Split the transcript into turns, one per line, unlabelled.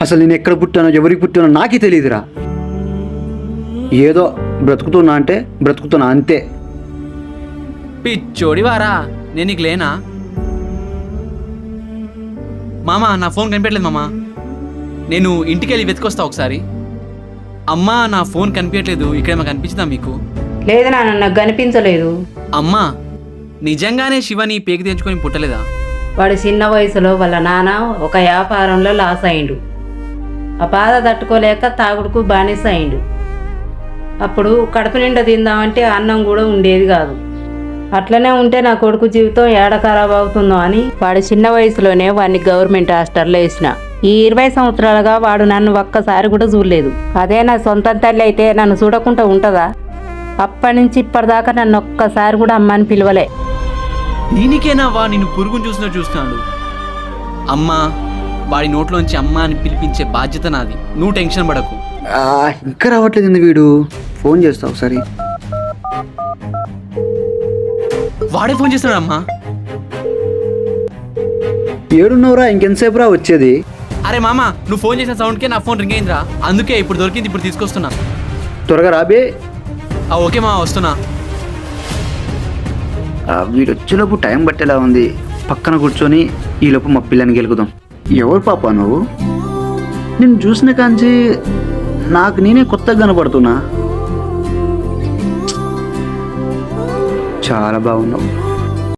అసలు నేను ఎక్కడ పుట్టానో ఎవరికి పుట్టానో నాకే తెలియదురా. ఏదో బ్రతుకుతున్నా అంటే బ్రతుకుతున్నా అంతే.
పిచ్చోడి వారా, నేను నీకు లేనా? మామా నా ఫోన్ కనిపించట్లేదు మామా, నేను ఇంటికి వెళ్ళి వెతికొస్తా ఒకసారి. అమ్మా నా ఫోన్ కనిపించట్లేదు, ఇక్కడ మాకు కనిపించిందా మీకు?
లేదు నాన్న, నాకు కనిపించలేదు.
అమ్మా నిజంగానే శివని పేకి తెంచుకొని పుట్టలేదా?
వాడు చిన్న వయసులో వాళ్ళ నాన్న ఒక వ్యాపారంలో లాస్ అయిండు. ఆ బాధ తట్టుకోలేక తాగుడుకు బానిస అయిండు. అప్పుడు కడుపు నిండా తిందామంటే అన్నం కూడా ఉండేది కాదు. అట్లనే ఉంటే నా కొడుకు జీవితం ఏడ ఖరాబ్ అవుతుందో అని వాడు చిన్న వయసులోనే వాడిని గవర్నమెంట్ హాస్టల్లో వేసిన. ఈ 20 సంవత్సరాలుగా వాడు నన్ను ఒక్కసారి కూడా చూడలేదు. అదే నా సొంత తల్లి అయితే నన్ను చూడకుండా ఉంటుందా? అప్పటి నుంచి ఇప్పటిదాకా నన్ను ఒక్కసారి కూడా అమ్మ అని పిలవలే.
దీనికేనా వా నిన్ను పురుగును చూసినట్టు చూస్తున్నాడు? అమ్మా వాడి నోట్లోంచి అమ్మ అని పిలిపించే బాధ్యత నాది, నువ్వు టెన్షన్ పడకు.
ఇంకా రావట్లేదు వీడు. ఫోన్ చేస్తా ఒకసారి.
వాడే ఫోన్ చేస్తున్నాడు. అమ్మా
ఏడున్నవరా? ఇంకెంతసేపు రా వచ్చేది?
అరే మామ, నువ్వు ఫోన్ చేసిన సౌండ్కే నా ఫోన్ రింగ్ అయిందిరా, అందుకే ఇప్పుడు దొరికింది, ఇప్పుడు తీసుకొస్తున్నా.
త్వరగా రాబే.
ఓకే మా, వస్తున్నా.
వీడు వచ్చేలోపు టైం పట్టేలా ఉంది. పక్కన కూర్చొని ఈలోపు మా పిల్లని గెలుకుదాం. ఎవరు పాప నువ్వు? నేను చూసిన కాంచి నాకు నేనే కొత్తగా కనపడుతున్నా. చాలా బాగున్నావు.